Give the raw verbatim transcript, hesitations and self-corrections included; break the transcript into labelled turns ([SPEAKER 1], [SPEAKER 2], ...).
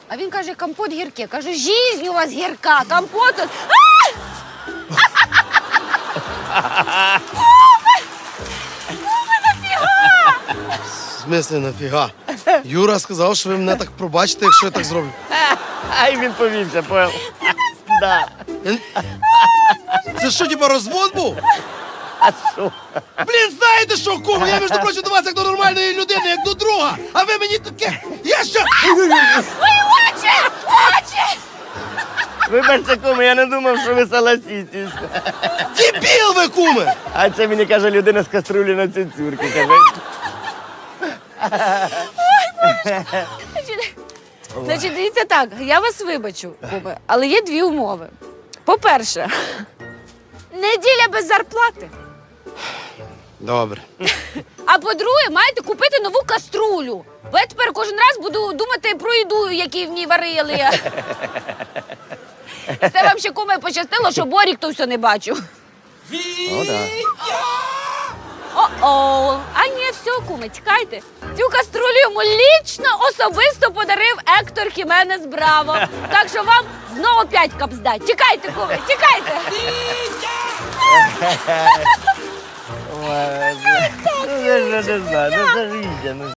[SPEAKER 1] А він каже, компот гірке. Кажу, жизнь у вас гірка, компот тут.
[SPEAKER 2] В смислі, нафіга? Юра сказав, що ви мене так пробачите, якщо я так зроблю.
[SPEAKER 3] Ай, він повівся, понял. Да.
[SPEAKER 2] Це що, типа, розвод був?
[SPEAKER 3] А що?
[SPEAKER 2] Блін, знаєте що, куме? Я, між прочим, до вас як до нормальної людини, як до друга. А ви мені таке... Я що?
[SPEAKER 1] Очі! Очі!
[SPEAKER 3] Вибачте, куме, я не думав, що ви согласитесь.
[SPEAKER 2] Дебіл ви, куме!
[SPEAKER 3] А це мені каже людина з каструлі на цицюрки. Каже.
[SPEAKER 1] Значить, значить, дивіться так, я вас вибачу, куме, але є дві умови. По-перше, неділя без зарплати.
[SPEAKER 2] Добре.
[SPEAKER 1] А по-друге, маєте купити нову каструлю. Бо я тепер кожен раз буду думати про їду, яку в ній варили. Це вам ще, куме, пощастило, що Борік то все не бачив.
[SPEAKER 3] О, да.
[SPEAKER 1] О-о. А ні, все, куме, тікайте. Цю каструлю йому лічно, особисто подарив Ектор Хіменес Браво. Так що вам знову п'ять капздать. Тікайте, куме, тікайте.
[SPEAKER 3] Ой, ну, я ж не знаю, ну це ж Вітя, ну.